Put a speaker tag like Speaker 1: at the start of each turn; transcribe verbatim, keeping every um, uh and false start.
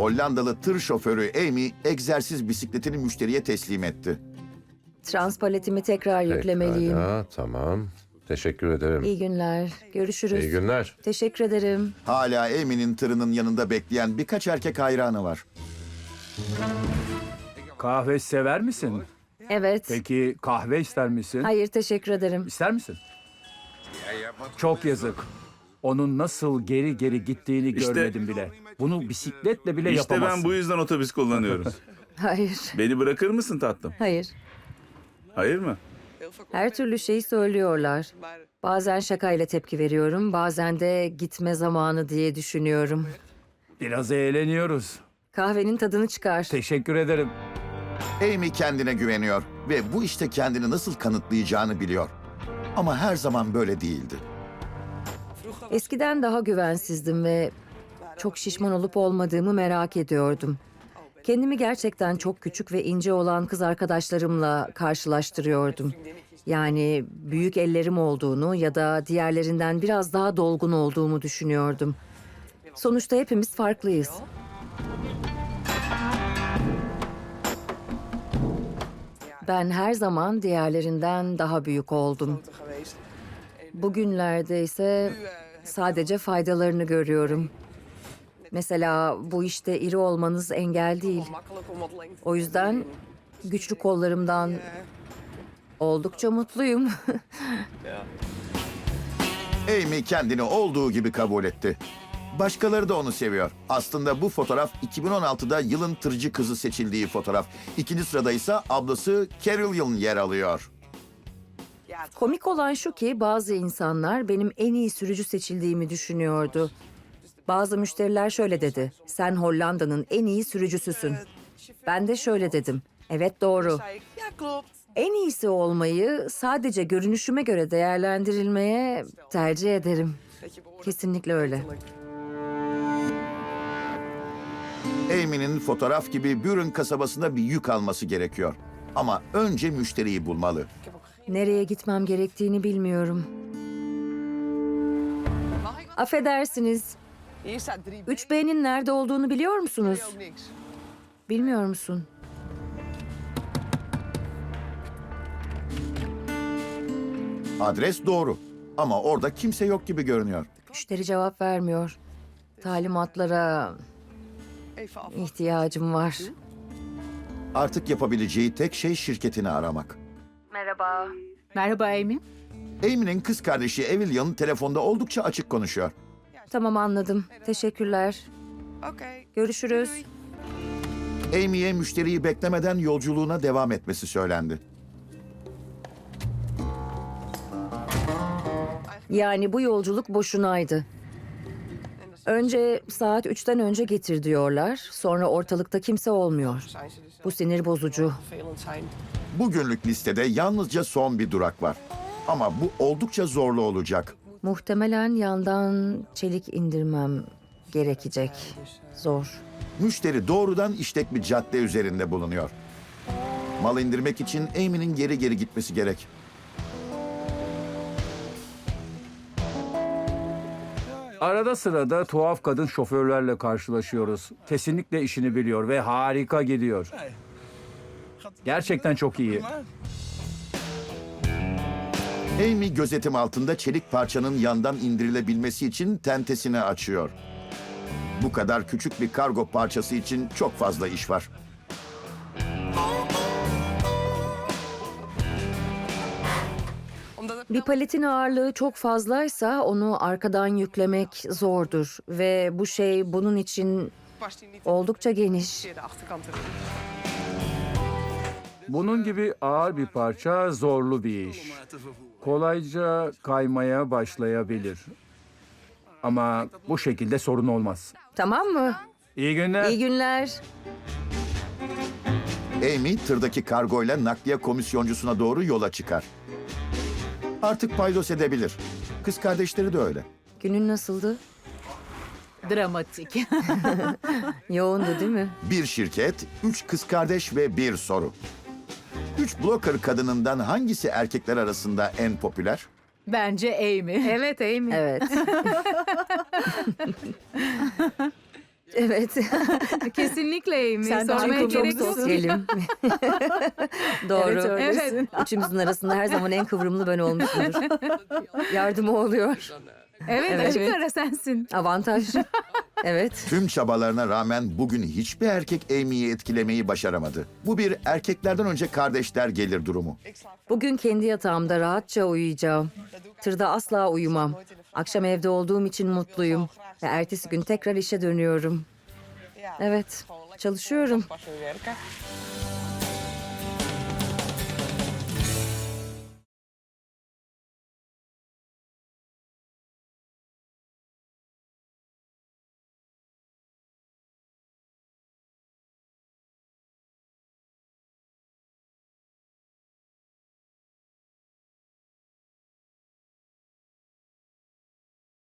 Speaker 1: Hollandalı tır şoförü Amy egzersiz bisikletini müşteriye teslim etti.
Speaker 2: Transpaletimi tekrar yüklemeliyim.
Speaker 3: Pekala, tamam. Teşekkür ederim.
Speaker 2: İyi günler. Görüşürüz.
Speaker 3: İyi günler.
Speaker 2: Teşekkür ederim.
Speaker 1: Hala Amy'nin tırının yanında bekleyen birkaç erkek hayranı var.
Speaker 4: Kahve sever misin?
Speaker 2: Evet.
Speaker 4: Peki kahve ister misin?
Speaker 2: Hayır, teşekkür ederim.
Speaker 4: İster misin? Çok yazık. Onun nasıl geri geri gittiğini
Speaker 5: İşte-
Speaker 4: görmedim bile. Bunu bisikletle bile
Speaker 5: İşte
Speaker 4: yapamazsın.
Speaker 5: ben bu yüzden otobüs kullanıyorum.
Speaker 2: Hayır.
Speaker 5: Beni bırakır mısın tatlım?
Speaker 2: Hayır.
Speaker 5: Hayır mı?
Speaker 2: Her türlü şeyi söylüyorlar. Bazen şakayla tepki veriyorum, bazen de gitme zamanı diye düşünüyorum.
Speaker 4: Biraz eğleniyoruz.
Speaker 2: Kahvenin tadını çıkar.
Speaker 4: Teşekkür ederim.
Speaker 1: Amy kendine güveniyor ve bu işte kendini nasıl kanıtlayacağını biliyor. Ama her zaman böyle değildi.
Speaker 2: Eskiden daha güvensizdim ve çok şişman olup olmadığımı merak ediyordum. Kendimi gerçekten çok küçük ve ince olan kız arkadaşlarımla karşılaştırıyordum. Yani büyük ellerim olduğunu ya da diğerlerinden biraz daha dolgun olduğumu düşünüyordum. Sonuçta hepimiz farklıyız. Ben her zaman diğerlerinden daha büyük oldum. Bugünlerde ise sadece faydalarını görüyorum. Mesela bu işte iri olmanız engel değil. O yüzden güçlü kollarımdan oldukça mutluyum.
Speaker 1: Amy kendini olduğu gibi kabul etti. Başkaları da onu seviyor. Aslında bu fotoğraf iki bin on altıda yılın tırcı kızı seçildiği fotoğraf. İkinci sırada ise ablası Carolyn yer alıyor.
Speaker 2: Komik olan şu ki bazı insanlar benim en iyi sürücü seçildiğimi düşünüyordu. Bazı müşteriler şöyle dedi. Sen Hollanda'nın en iyi sürücüsüsün. Ben de şöyle dedim. Evet doğru. En iyisi olmayı sadece görünüşüme göre değerlendirilmeye tercih ederim. Kesinlikle öyle.
Speaker 1: Amy'nin fotoğraf gibi Buren kasabasında bir yük alması gerekiyor. Ama önce müşteriyi bulmalı.
Speaker 2: Nereye gitmem gerektiğini bilmiyorum. Affedersiniz. üç B'nin nerede olduğunu biliyor musunuz? Bilmiyor musun?
Speaker 1: Adres doğru. Ama orada kimse yok gibi görünüyor.
Speaker 2: Müşteri cevap vermiyor. Talimatlara ihtiyacım var.
Speaker 1: Artık yapabileceği tek şey şirketini aramak.
Speaker 2: Merhaba.
Speaker 6: Merhaba Amy.
Speaker 1: Amy'nin kız kardeşi Evelyn telefonda oldukça açık konuşuyor.
Speaker 2: Tamam anladım. Teşekkürler. Görüşürüz.
Speaker 1: Amy'ye müşteriyi beklemeden yolculuğuna devam etmesi söylendi.
Speaker 2: Yani bu yolculuk boşunaydı. Önce saat üçten önce getir diyorlar. Sonra ortalıkta kimse olmuyor. Bu sinir bozucu.
Speaker 1: Bugünlük listede yalnızca son bir durak var. Ama bu oldukça zorlu olacak.
Speaker 2: Muhtemelen yandan çelik indirmem gerekecek. Zor.
Speaker 1: Müşteri doğrudan işlek bir cadde üzerinde bulunuyor. Mal indirmek için Amy'nin geri geri gitmesi gerek.
Speaker 4: Arada sırada tuhaf kadın şoförlerle karşılaşıyoruz. Kesinlikle işini biliyor ve harika gidiyor. Gerçekten çok iyi.
Speaker 1: Amy gözetim altında çelik parçanın yandan indirilebilmesi için tentesini açıyor. Bu kadar küçük bir kargo parçası için çok fazla iş var.
Speaker 2: Bir paletin ağırlığı çok fazlaysa onu arkadan yüklemek zordur. Ve bu şey bunun için oldukça geniş.
Speaker 4: Bunun gibi ağır bir parça zorlu bir iş. Kolayca kaymaya başlayabilir. Ama bu şekilde sorun olmaz.
Speaker 2: Tamam mı?
Speaker 4: İyi günler.
Speaker 2: İyi günler.
Speaker 1: Amy tırdaki kargoyla nakliye komisyoncusuna doğru yola çıkar. Artık paydos edebilir. Kız kardeşleri de öyle.
Speaker 2: Günün nasıldı?
Speaker 6: Dramatik.
Speaker 2: Yoğundu değil mi?
Speaker 1: Bir şirket, üç kız kardeş ve bir soru. Üç blogger kadınından hangisi erkekler arasında en popüler?
Speaker 6: Bence Amy.
Speaker 7: Evet Amy.
Speaker 2: Evet. Evet.
Speaker 6: Kesinlikle Amy.
Speaker 2: Sen de
Speaker 6: Sormaya
Speaker 2: çünkü çok
Speaker 6: gerek yok.
Speaker 2: sosyalim. Doğru.
Speaker 6: Evet, öylesin.
Speaker 2: Üçümüzün arasında her zaman en kıvrımlı ben olmuşumdur. Yardımı oluyor.
Speaker 6: Evet,
Speaker 2: Evet.
Speaker 6: açık ara sensin.
Speaker 2: Avantaj. Evet.
Speaker 1: Tüm çabalarına rağmen bugün hiçbir erkek Amy'yi etkilemeyi başaramadı. Bu bir erkeklerden önce kardeşler gelir durumu.
Speaker 2: Bugün kendi yatağımda rahatça uyuyacağım. Tırda asla uyumam. Akşam evde olduğum için mutluyum. Ve ertesi gün tekrar işe dönüyorum. Evet, çalışıyorum.
Speaker 7: Pas weer werken.